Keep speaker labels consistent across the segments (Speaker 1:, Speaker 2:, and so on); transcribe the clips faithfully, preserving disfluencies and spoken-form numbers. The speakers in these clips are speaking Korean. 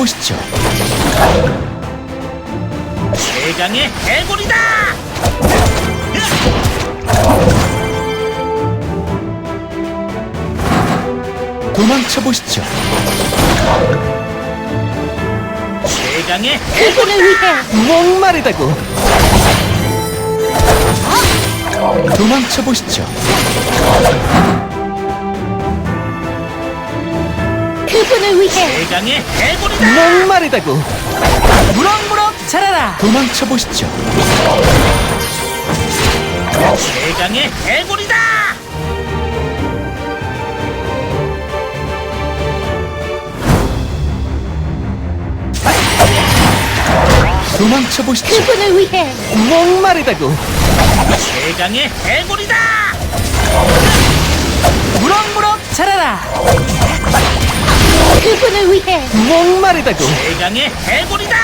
Speaker 1: 도망쳐보시죠.
Speaker 2: 최강의 해골이다!
Speaker 1: 도망쳐보시죠.
Speaker 2: 최강의
Speaker 3: 그분을 위해
Speaker 1: 목마르다고. 도망쳐보시죠.
Speaker 3: 그분을 위해
Speaker 2: 최강의 해골이다!
Speaker 1: 목마르다고.
Speaker 2: 무럭무럭 자라라!
Speaker 1: 도망쳐보시죠.
Speaker 2: 최강의 해골이다!
Speaker 1: 도망쳐보시죠.
Speaker 3: 그분을 위해
Speaker 1: 목마르다고.
Speaker 2: 최강의 해골이다! 무럭무럭 자라라!
Speaker 3: 그분을 위해
Speaker 1: 목마르다고.
Speaker 2: 최강의 해골이다!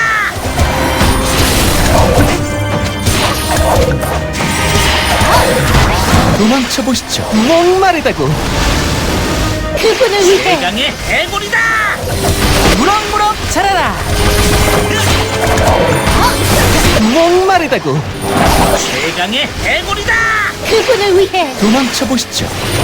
Speaker 1: 도망쳐보시죠. 목마르다고.
Speaker 3: 그분을 위해
Speaker 2: 최강의 해골이다! 무럭무럭 자라라!
Speaker 1: 목마르다고.
Speaker 2: 최강의 해골이다!
Speaker 3: 그분을 위해
Speaker 1: 도망쳐보시죠.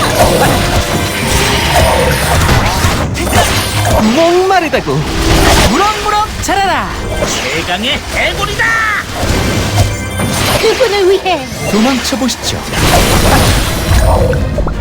Speaker 1: 목마르다고.
Speaker 2: 무럭무럭 자라라! 최강의 해골이다!
Speaker 3: 그분을 위해
Speaker 1: 도망쳐보시죠.